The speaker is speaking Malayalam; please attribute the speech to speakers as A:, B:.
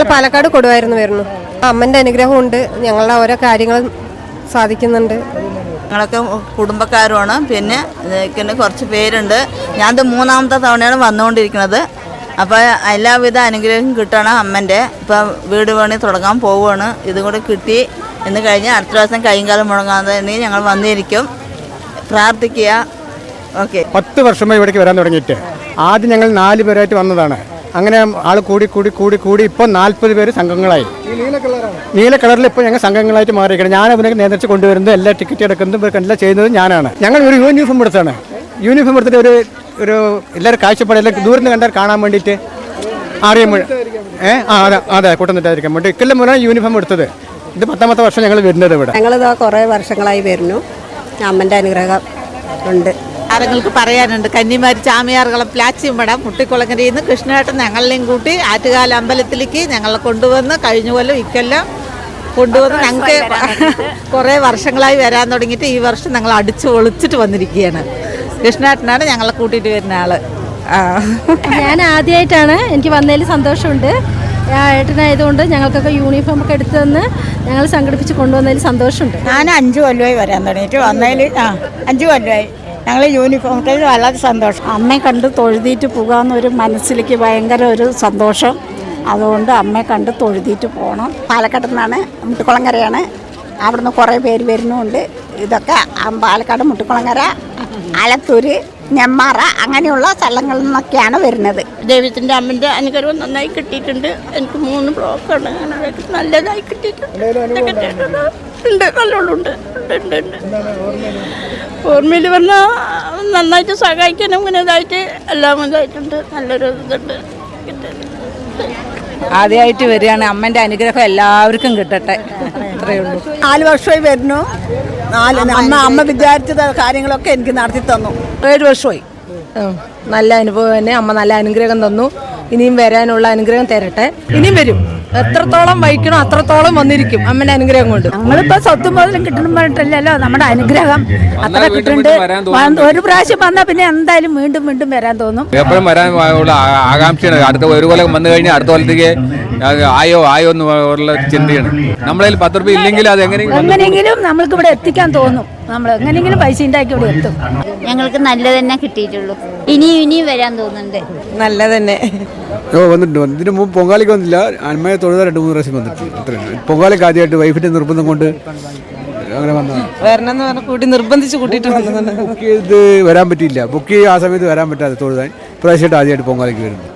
A: പാലക്കാട് കൊടുവായിരുന്നു വരുന്നു. അമ്മൻ്റെ അനുഗ്രഹമുണ്ട്, ഞങ്ങളുടെ ഓരോ കാര്യങ്ങളും സാധിക്കുന്നുണ്ട്.
B: ഞങ്ങളൊക്കെ കുടുംബക്കാരുമാണ്. പിന്നെ കുറച്ച് പേരുണ്ട്. ഞാനത് 3ാമത്തെ തവണയാണ് വന്നുകൊണ്ടിരിക്കുന്നത്. അപ്പോൾ എല്ലാവിധ അനുഗ്രഹം കിട്ടണം അമ്മൻ്റെ. ഇപ്പം വീട് പണി തുടങ്ങാൻ പോവുകയാണ്. ഇതും കൂടെ കിട്ടി എന്ന് കഴിഞ്ഞ് അടുത്ത ദിവസം കൈയും കാലം മുടങ്ങാതെ ഞങ്ങൾ വന്നിരിക്കും. പ്രാർത്ഥിക്കുക. ഓക്കെ.
C: 10 വർഷമായി ഇവിടേക്ക് വരാൻ തുടങ്ങിയിട്ട് ആദ്യം ഞങ്ങൾ 4 പേരായിട്ട് വന്നതാണ്. അങ്ങനെ ആൾ കൂടി കൂടി കൂടി കൂടി ഇപ്പോൾ 40 പേര് സംഘങ്ങളായി. നീല കളറിൽ ഇപ്പോൾ ഞങ്ങൾ സംഘങ്ങളായിട്ട് മാറിയിരിക്കണം. ഞാൻ അവനൊക്കെ നിയന്ത്രിച്ച് കൊണ്ടുവരുന്നത്, എല്ലാ ടിക്കറ്റ് എടുക്കുന്നതും എല്ലാം ചെയ്യുന്നത് ഞാനാണ്. ഞങ്ങൾ ഒരു യൂണിഫോം എടുത്താണ്. യൂണിഫോം എടുത്തിട്ട് ഒരു എല്ലാവരും കാഴ്ചപ്പാട് എല്ലാം ദൂരം നിന്ന് കണ്ടാൽ കാണാൻ വേണ്ടിയിട്ട് അറിയാൻ അതെ കൂട്ടന്നിട്ടായിരിക്കാൻ വേണ്ടി ഇക്കൊല്ലം മുതലാണ് യൂണിഫോം എടുത്തത്. ഇത് 10ാമത്തെ വർഷം ഞങ്ങൾ വരുന്നത് ഇവിടെ.
A: ഞങ്ങളിതാ കുറേ വർഷങ്ങളായി വരുന്നു. അമ്മൻ്റെ അനുഗ്രഹം ഉണ്ട്.
D: ആരങ്ങൾക്ക് പറയാനുണ്ട്. കന്നിമാരി ചാമിയാറുകളം പ്ലാച്ചിമ്പടം മുട്ടിക്കുളങ്ങരയിൽ നിന്ന് കൃഷ്ണേട്ടൻ ഞങ്ങളെയും കൂട്ടി ആറ്റുകാല അമ്പലത്തിലേക്ക് ഞങ്ങളെ കൊണ്ടുവന്ന് കഴിഞ്ഞ കൊല്ലം ഇക്കൊല്ലം കൊണ്ടുവന്ന് ഞങ്ങൾക്ക് കുറേ വർഷങ്ങളായി വരാൻ തുടങ്ങിയിട്ട് ഈ വർഷം ഞങ്ങൾ അടിച്ച് ഒളിച്ചിട്ട് വന്നിരിക്കുകയാണ്. കൃഷ്ണേട്ടനാണ് ഞങ്ങളെ കൂട്ടിയിട്ട് വരുന്ന ആള്.
E: ഞാൻ ആദ്യമായിട്ടാണ്, എനിക്ക് വന്നതിൽ സന്തോഷമുണ്ട്. ഏട്ടനായതുകൊണ്ട് ഞങ്ങൾക്കൊക്കെ യൂണിഫോം ഒക്കെ എടുത്തു തന്ന് ഞങ്ങൾ സംഘടിപ്പിച്ച് കൊണ്ടുവന്നതിൽ സന്തോഷമുണ്ട്.
F: ഞാൻ 5 കൊല്ലമായി വരാൻ തുടങ്ങിയിട്ട് വന്നതിൽ 5 കൊല്ലമായി ഞങ്ങൾ യൂണിഫോം ഇട്ടതിൽ വളരെ സന്തോഷം.
E: അമ്മയെ കണ്ട് തൊഴുതിയിട്ട് പോകാമെന്നൊരു മനസ്സിലേക്ക് ഭയങ്കര ഒരു സന്തോഷം. അതുകൊണ്ട് അമ്മയെ കണ്ട് തൊഴുതിയിട്ട് പോകണം.
F: പാലക്കാട് നിന്നാണ്, മുട്ടിക്കുളങ്ങരയാണ്. അവിടുന്ന് കുറേ പേര് വരുന്നുണ്ട്. ഇതൊക്കെ പാലക്കാട്, മുട്ടിക്കുളങ്ങര, ആലത്തൂർ, നെമ്മാറ അങ്ങനെയുള്ള സ്ഥലങ്ങളിൽ നിന്നൊക്കെയാണ് വരുന്നത്. ദൈവത്തിൻ്റെ അമ്മൻ്റെ അനുഗ്രഹം നന്നായി കിട്ടിയിട്ടുണ്ട്. എനിക്ക് 3 ബ്ലോക്കാണ്, നല്ലതായി കിട്ടിയിട്ടുണ്ട്. നല്ലോണമുണ്ട്. ഓർമ്മയിൽ പറഞ്ഞാൽ നന്നായിട്ട് സഹായിക്കാനും ഇങ്ങനെ ഇതായിട്ട് എല്ലാം ഇതായിട്ടുണ്ട്. നല്ലൊരു ഇതുണ്ട്.
D: ആദ്യമായിട്ട് വരികയാണ്. അമ്മൻ്റെ അനുഗ്രഹം എല്ലാവർക്കും കിട്ടട്ടെ. അത്രയേ ഉള്ളൂ.
F: 4 വർഷമായി വരുന്നു. അമ്മ വിചാരിച്ചത് കാര്യങ്ങളൊക്കെ എനിക്ക് നടത്തി തന്നു.
D: 7 വർഷമായി. നല്ല അനുഭവം തന്നെ. അമ്മ നല്ല അനുഗ്രഹം തന്നു. ഇനിയും വരാനുള്ള അനുഗ്രഹം തരട്ടെ. ഇനിയും വരും. എത്രത്തോളം വഹിക്കണോ അത്രത്തോളം വന്നിരിക്കും അമ്മൻ്റെ അനുഗ്രഹം കൊണ്ട്.
F: ഞങ്ങളിപ്പോൾ സ്വത്തും മുതലും കിട്ടണം പറഞ്ഞിട്ടില്ലല്ലോ. നമ്മുടെ അനുഗ്രഹം അത്ര കിട്ടുന്നുണ്ട്. ഒരു പ്രാവശ്യം വന്നാൽ പിന്നെ എന്തായാലും വീണ്ടും വീണ്ടും വരാൻ തോന്നും.
G: എപ്പോഴും വരാൻ ആകാംക്ഷയാണ്. അടുത്ത ഒരു കൊല്ലം വന്നു കഴിഞ്ഞാൽ അടുത്ത കൊല്ലത്തേക്ക് ആയോ എന്നുള്ള ചിന്തയാണ്. നമ്മളതിൽ 10 രൂപ ഇല്ലെങ്കിൽ അത്
F: എങ്ങനെയെങ്കിലും നമ്മൾക്ക് ഇവിടെ എത്തിക്കാൻ തോന്നും. നമ്മൾ എങ്ങനെയെങ്കിലും പൈസ ഉണ്ടാക്കി ഇവിടെ എത്തും.
H: ഞങ്ങൾക്ക് നല്ല തന്നെ കിട്ടിയിട്ടുള്ളൂ. ഇനിയും വരാൻ തോന്നുന്നുണ്ട്.
D: നല്ല തന്നെ
C: വന്നിട്ടുണ്ട്. ഇതിന് മുമ്പ് പൊങ്കാലിക്ക് വന്നില്ല. അമ്മയെ തൊഴുതാൻ 2-3 പ്രാവശ്യം വന്നിട്ടുണ്ട്. അത്രയാണ്. പൊങ്കാലിക്ക് ആദ്യമായിട്ട് വൈഫിൻ്റെ നിർബന്ധം കൊണ്ട് അങ്ങനെ വന്നതാണ്.
D: വരണം എന്ന് പറഞ്ഞാൽ കൂട്ടി നിർബന്ധിച്ച് കൂട്ടിയിട്ട് വന്നതാണ്.
C: ബുക്ക് ചെയ്ത് വരാൻ പറ്റിയില്ല. ബുക്ക് ചെയ്ത് ആ സമയത്ത് വരാൻ പറ്റാതെ തൊഴുതാൻ പ്രാവശ്യമായിട്ട് ആദ്യമായിട്ട് പൊങ്കാലിക്ക് വരുന്നു.